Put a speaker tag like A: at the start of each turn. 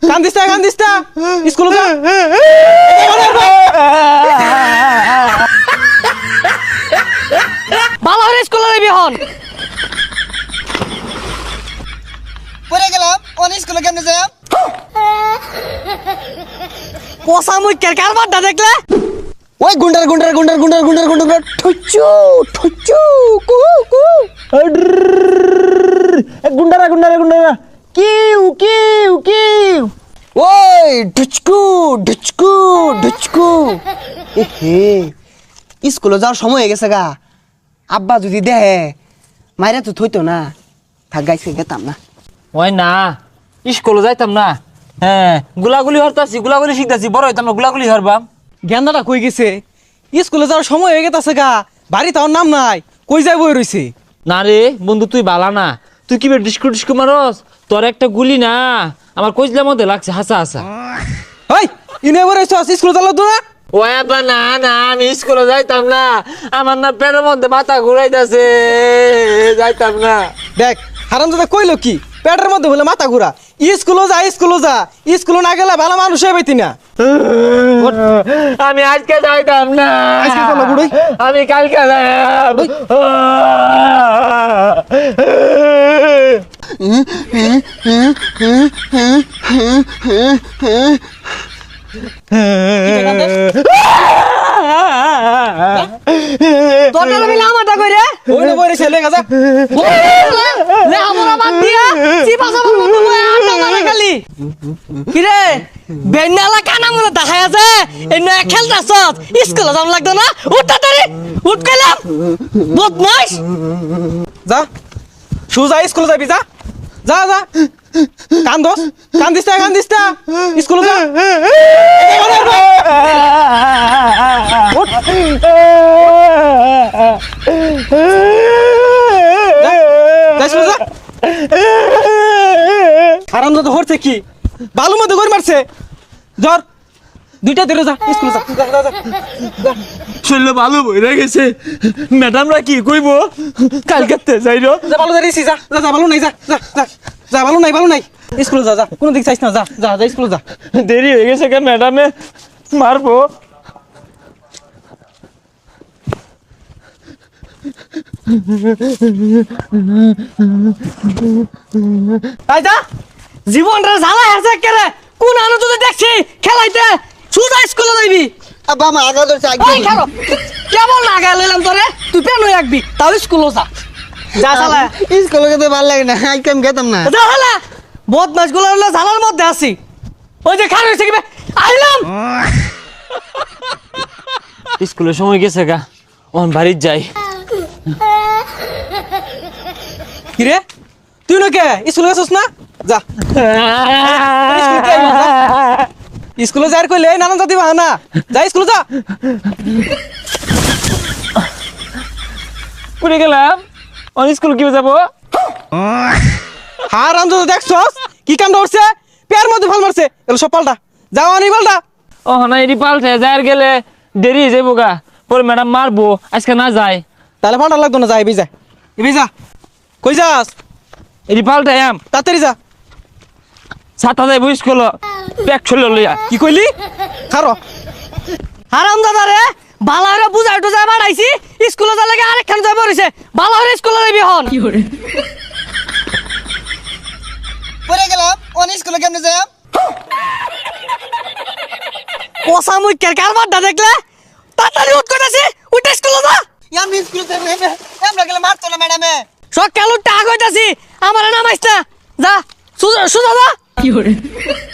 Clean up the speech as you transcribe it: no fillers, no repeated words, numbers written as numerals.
A: কান্দিস না স্কুলে যা
B: ভালো করে স্কুলে যাবি হন
C: পড়ে গেলাম অন স্কুলে কেমনে যাই
B: পোষা মুই কারবারটা দেখলে
C: ওই গুন্ডার ঠুচু কু কু
A: গুন্ডারা কিউ
C: ওই ঢুচকু এহে স্কুলে যাওয়ার সময় হয়ে গেছে গা আব্বা যদি দেহে মাইরা তো থইতো না থাক গাইছে গেতাম না
D: ওই না স্কুলে যাইতাম না হ্যাঁ গুলাগুলি হরতাছি গুলাগুলি শিখতাছি বড় হইতাম না গুলাগুলি হরবাম
A: গেন্দাটা কই গেছে স্কুলে যাওয়ার সময় হয়ে গেছে গা বাড়ি তার নাম নাই কই যাই বই রইছে
D: না রে বন্ধু তুই বালা না তুই কি ডিস্কু মারস তোর একটা গুলি না আমার কইজলার মধ্যে লাগছে হাসা
A: ওই ইনে বই রইছ স্কুলে যালো তো না
D: ওই আব্বা না আমি স্কুলে যাইতাম না আমার না পেটের মধ্যে মাথা ঘুরাইতাছে যাইতাম না
A: দেখ হারামজাদা কইলো কি পেটের মধ্যে বলে মাথা ঘুরা স্কুলে যা স্কুলে না গেলে ভালো মানুষ হইবি না
D: আমি আজকে যাইতাম না
A: আজকে চলো বুড়ি
D: আমি কালকে যাইতাম
B: তোর মিলে আমারটা কইরে
A: ওইনে বই রইছে লেখা যা
B: লে আমরা বাদ দিয়া চিপা সাবার মতো বই আটা মারা খালি কি রে বেন্নালা কানা মনে দেখায় আছে এই নয়া খেলতাছ স্কুলে যাম লাগতো না উঠ তাড়াতাড়ি উঠ কইলাম বদমাশ
A: যা সুজা স্কুলে যাবি যা কান্দিস না স্কুলে যা আরামদাদ হরছে কি বালু মধ্যে গড় মারছে জ্বর দুইটা ধরে যা স্কুলে যা
D: শরীরে ভালো বইরা গেছে ম্যাডামরা কি কইব কালকে যাইরো
A: যা ভালো দাঁড়িয়েছি যা ভালো নাই যা ভালো নাই স্কুলে যা কোনো দিক চাইছ না যা স্কুলে যা
D: দেরি হয়ে গেছে কেন ম্যাডামে মারবো
B: তাই যা জীবনটা জ্বালা আছে কেরে কোন আনো তুই দেখছি খেলাইতে সুজা স্কুলে যাইবি
C: আব্বা আমার আগা ধরছে
B: ওই খেলো কেমন লাগা লইলাম তোরে তুই পেন হয়ে রাখবি তাও স্কুলে যা শালা
C: স্কুলে যেতে ভালো লাগে না আজকে আমি গেতাম না
B: যা শালা বদমাশ গুলো হলো জ্বালার মধ্যে আছি ওই যে খান হয়েছে কি আইলাম
D: স্কুলের সময় গেছে গা ওখান বাড়ির যাই
A: কিরে তুই নাকি স্কুলে গেছিস না যা স্কুলে যাই কইলে নানান জাতি বাহানা যা স্কুলে যা
D: পড়ে গেলাম অন স্কুল কি যাবো
A: হার আম যদি দেখছস কি কাম করছে পেয়ার মধ্যে ভাল মারছে এগুলো সব পাল্টা যাও আনি পাল্টা
D: ও না এটি পাল্টে যাই গেলে দেরি হয়ে যাবো গা পরে ম্যাডাম মারবো আজকে না যায়
A: তাহলে পাল্টা লাগতো না যা এবি যা কই যাস
D: এটি পাল্টে আম
A: তাড়াতাড়ি যা
D: ছাতা যাইবো স্কুল ব্যাগ ছুলে লইয়া
A: কি কইলি খারো
B: হারাম দাদা রে বালা হরে বুঝাই টুজাই বাড়াইছি স্কুলে যা লাগে আরেকখান যাই পড়িছে বালা হরে স্কুলে যাবি হন
C: পড়ে গেলাম অন স্কুলে কেমনে যাই
B: পোষা মুই কারবারটা দেখলে তাড়াতাড়ি উঠ কইতাছি উঠ স্কুলে যা
C: আমি স্কুলে যাই আমরা গেলে মারতো না ম্যাডামে
B: সকাল উঠতে আগ হইতাছি আমার নামাইছ না যা সুজা যা